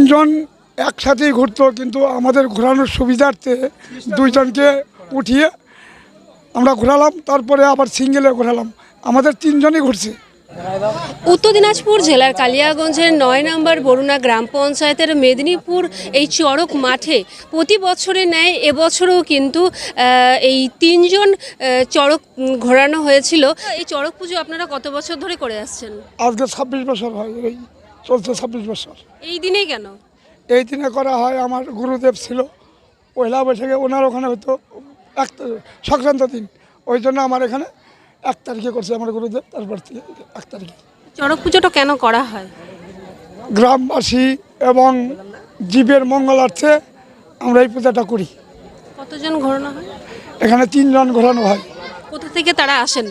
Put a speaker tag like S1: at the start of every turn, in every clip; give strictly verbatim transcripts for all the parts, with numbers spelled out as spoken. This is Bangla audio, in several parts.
S1: তিনজন একসাথেই ঘুরতো, কিন্তু আমাদের ঘোরানোর সুবিধার্থে দুইজনকে উঠিয়ে আমরা ঘোরালাম, তারপরে আবার সিঙ্গেলে ঘোরালাম। আমাদের তিনজনই ঘুরছে।
S2: উত্তর দিনাজপুর জেলার কালিয়াগঞ্জের নয় নম্বর বরুণা গ্রাম পঞ্চায়েতের মেদিনীপুর এই চড়ক মাঠে প্রতি বছরে ন্যায় এবছরও কিন্তু এই তিনজন চড়ক ঘোরানো হয়েছিল। এই চড়ক পুজো আপনারা কত বছর ধরে করে আসছেন?
S1: আজকে ছাব্বিশ বছর হয়, এই চলছে ছাব্বিশ বছর।
S2: এই দিনেই কেন?
S1: এই দিনে করা হয়, আমার গুরুদেব ছিল পয়লা বৈশাখে, ওনার ওখানে হয়তো এক সংক্রান্ত দিন, ওই জন্য আমার এখানে এক তারিখে করছে আমার গুরুদেব, তারপর থেকে এক তারিখে।
S2: চড়ক পুজোটা কেন করা হয়?
S1: গ্রামবাসী এবং জীবের মঙ্গলার্থে আমরা এই পূজাটা করি।
S2: কতজন ঘোরানো হয়?
S1: এখানে তিনজন ঘোরানো হয়।
S2: কোথা থেকে তারা আসেন?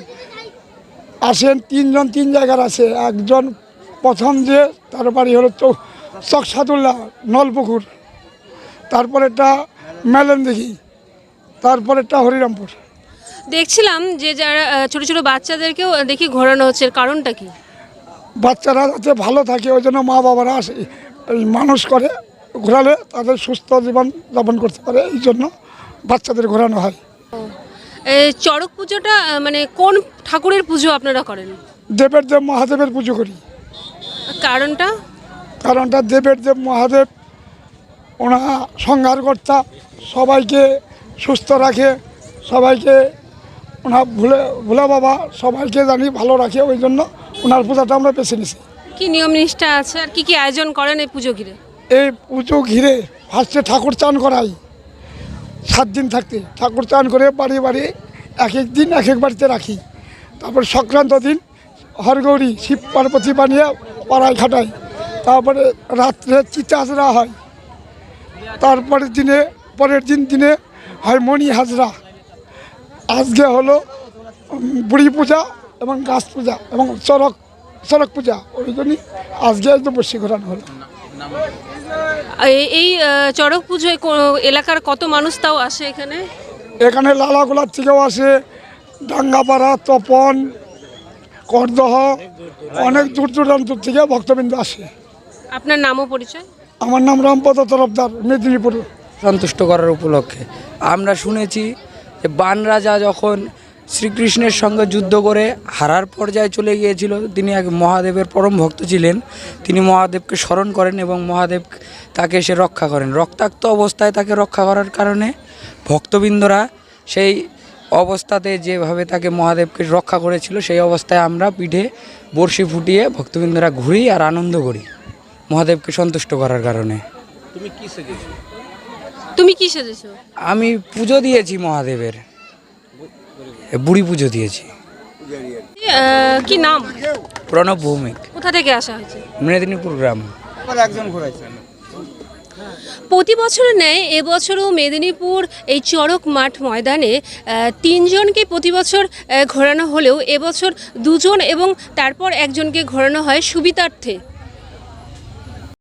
S1: আসেন তিনজন, তিন জায়গার আছে। একজন প্রথম যে তার বাড়ি হলো চকসাদুল্লাহ নলপুকুর, তারপরেরটা মেলেনদিঘি, তারপরেরটা হরিরামপুর।
S2: দেখছিলাম যে যারা ছোট ছোট বাচ্চাদেরকেও দেখি ঘোরানো হচ্ছে, কারণটা কি?
S1: বাচ্চারা যাতে ভালো থাকে ওই জন্য মা বাবারা আসে, এই মানুষ করে ঘোরালে তাদের সুস্থ জীবন যাপন করতে পারে, এই জন্য বাচ্চাদের ঘোরানো হয়।
S2: এই চড়ক পুজোটা মানে কোন ঠাকুরের পুজো আপনারা করেন?
S1: দেবের দেব মহাদেবের পুজো করি।
S2: কারণটা?
S1: কারণটা দেবের দেব মহাদেব ওনা সংহারকর্তা, সবাইকে সুস্থ রাখে, সবাইকে ওনার ভুলে ভোলা বাবা সবাইকে জানি ভালো রাখে, ওই জন্য ওনার পূজাটা আমরা বেছে নিছি।
S2: কি নিয়ম নিষ্ঠা আছে আর কি কি আয়োজন করেন এই পুজো ঘিরে?
S1: এই পুজো ঘিরে ফার্স্টে ঠাকুর চান করাই, সাত দিন থাকতে ঠাকুর চান করে বাড়ি বাড়ি এক এক দিন এক এক বাড়িতে রাখি। তারপর সংক্রান্ত দিন হরগৌরী শিব পার্বতী বানিয়ে পাড়ায় খাটাই। তারপরে রাত্রে চিতা হাজরা হয়। তারপরের দিনে পরের দিন দিনে হয় মণি হাজরা। আজকে হলো বুড়ি পূজা এবং গাছ পূজা এবং চড়ক চড়ক পূজা, ওই জন্যই আজকে একদম বসে ঘোরানো হলো।
S2: এই চড়ক পুজোয় এলাকার কত মানুষ তাও আসে এখানে?
S1: এখানে লালাগোলার থেকেও আসে, ডাঙ্গাপাড়া, তপন, করদহ, অনেক দূর দূরান্ত থেকে ভক্তবৃন্দ আসে।
S2: আপনার নাম ও পরিচয়?
S1: আমার নাম রামপদ তরফদার, মেদিনীপুর।
S3: সন্তুষ্ট করার উপলক্ষে আমরা শুনেছি যে বান রাজা যখন শ্রীকৃষ্ণের সঙ্গে যুদ্ধ করে হারার পর্যায়ে চলে গিয়েছিল, তিনি এক মহাদেবের পরম ভক্ত ছিলেন। তিনি মহাদেবকে স্মরণ করেন এবং মহাদেব তাকে এসে রক্ষা করেন। রক্তাক্ত অবস্থায় তাকে রক্ষা করার কারণে ভক্তবৃন্দরা সেই অবস্থাতে যেভাবে তাকে মহাদেবকে রক্ষা করেছিল, সেই অবস্থায় আমরা পিঠে বড়শি ফুটিয়ে ভক্তবৃন্দরা ঘুরি আর আনন্দ করি মহাদেবকে সন্তুষ্ট করার কারণে।
S2: তুমি কি সেজেছো? তুমি কি সেজেছো?
S3: আমি পুজো দিয়েছি মহাদেবের, বুড়ি পুজো দিয়েছি।
S2: কি নাম?
S3: প্রণব ভৌমিক।
S2: কোথা থেকে আসা হয়েছে?
S3: মেদিনীপুর গ্রাম।
S2: প্রতি বছরের ন্যায় এবছরও মেদিনীপুর এই চড়ক মাঠ ময়দানে তিনজনকে প্রতি বছর ঘোরানো হলেও এবছর দুজন এবং তারপর একজনকে ঘোরানো হয় সুবিধার্থে।